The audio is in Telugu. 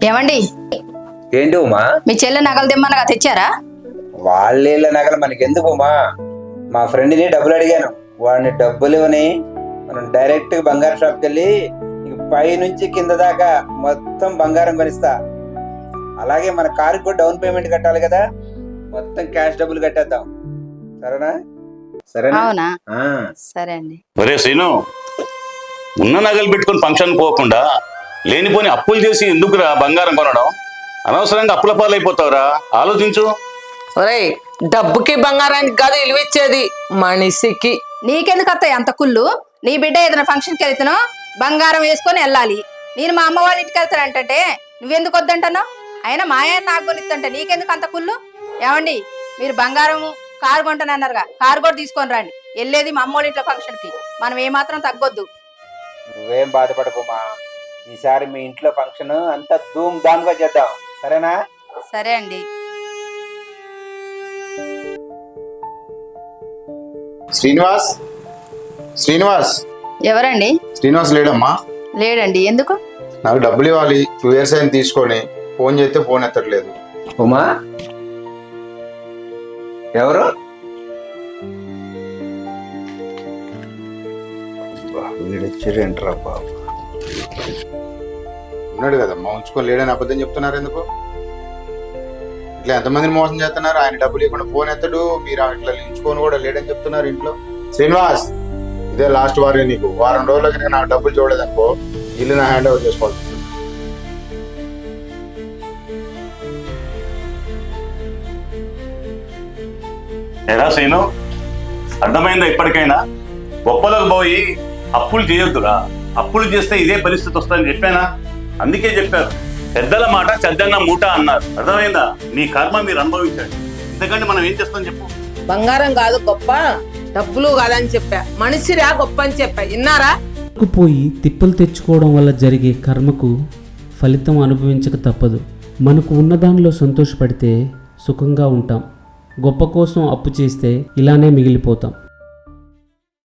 ఏమండి ఏంటి ఉమా? మీ చెల్లె నగలు తెమ్మనగా తెచ్చారా? వాళ్ళ నగలు మనకి ఎందుకు ఉమా? మా ఫ్రెండ్ని డబ్బులు అడిగాను, వాడిని డబ్బులు ఇవ్వని మనం డైరెక్ట్ బంగారం షాప్కి వెళ్ళి పై నుంచి కింద దాకా మొత్తం బంగారం కొనిస్తా. అలాగే మన కారుకి కూడా డౌన్ పేమెంట్ కట్టాలి కదా, మొత్తం క్యాష్ డబ్బులు కట్టేద్దాం. సరేనా? సరేనా? అవునా? సరే అండి. ఒరే శ్రీను, ఉన్న నగలు పెట్టుకుని ఫంక్షన్ పోకుండా లేనిపోని అప్పులు చేసి ఎందుకురా బంగారం కొనడం? అనవసరంగా అప్పుల పాలైపోతావురా, ఆలోచించు. ఒరేయ్, డబ్బుకి బంగారానికి కాదు విలువిచ్చేది, మనిషికి. నీకెందుకు అత్తయ్య అంత కుళ్ళు? నీ బిడ్డ ఏదైనా ఫంక్షన్కి వెళ్తానో బంగారం వేసుకొని వెళ్ళాలి. నేను మా అమ్మ వాళ్ళ ఇంటికి వెళ్తానంటే నువ్వెందుకు వద్దంటున్నావు? అయినా మా ఆయన నాకు కొనిస్తుంటే నీకెందుకు అంత కుళ్ళు? ఏమండి, మీరు బంగారం కారు కొంటానన్నారుగా, కారు కూడా తీసుకొని రండి. వెళ్ళేది మా అమ్మ వాళ్ళ ఇంట్లో ఫంక్షన్కి, మనం ఏమాత్రం తగ్గొద్దు. నువ్వేం బాధపడకుమా, ఈసారి మీ ఇంట్లో ఫంక్షన్ అంతా ధూమ్ ధామ్ గా చేద్దాం. సరేనా? సరే అండి. శ్రీనివాస్, శ్రీనివాస్, ఎవరండి? శ్రీనివాస్ లేడమ్మా? లేడండి. ఎందుకు? నాకు డబ్బులు ఇవ్వాలి, 2 years అయిన తీసుకొని. ఫోన్ చేస్తే ఫోన్ ఎత్తట్లేదు. ఉమా ఎవరు? వీడొచ్చిరేంట్రా బాబు. ఉన్నాడు కదమ్మా, ఉంచుకొని లేడని అబద్ధం చెప్తున్నారు ఎందుకు? ఇట్లా ఎంతమందిని మోసం చేస్తున్నారు? ఆయన డబ్బులు ఇవ్వకుండా ఫోన్ ఎత్తడు, మీరు ఇట్లా ఉంచుకొని కూడా లేడని చెప్తున్నారు ఇంట్లో. శ్రీనివాస్, ఇదే లాస్ట్ వారం, నీకు వారం రోజుల కనుక నాకు డబ్బులు చూడలేదనుకో, ఇల్లు నా హ్యాండ్ ఓవర్ చేసుకోవాలి. ఎరా శ్రీను, అర్థమైందా ఇప్పటికైనా? గొప్పలకు పోయి అప్పులు చేయొద్దురా. అప్పులు చేస్తే ఇదే పరిస్థితి వస్తుందని చెప్పానా? అందుకే చెప్పారు, పెద్దల మాట చెద్దన్న మూట అన్నారు. అర్థమైందా? మీ కర్మ మీరు అనుభవించండి. ఎందుకంటే మనం ఏం చేస్తాం చెప్పు? బంగారం కాదు గొప్ప, డబ్బులు కాదని చెప్పా. మనిషిరా గొప్ప అని చెప్పా, విన్నారా? పోయి తిప్పలు తెచ్చుకోవడం వల్ల జరిగే కర్మకు ఫలితం అనుభవించక తప్పదు. మనకు ఉన్నదానిలో సంతోషపడితే సుఖంగా ఉంటాం. గొప్ప కోసం అప్పు చేస్తే ఇలానే మిగిలిపోతాం.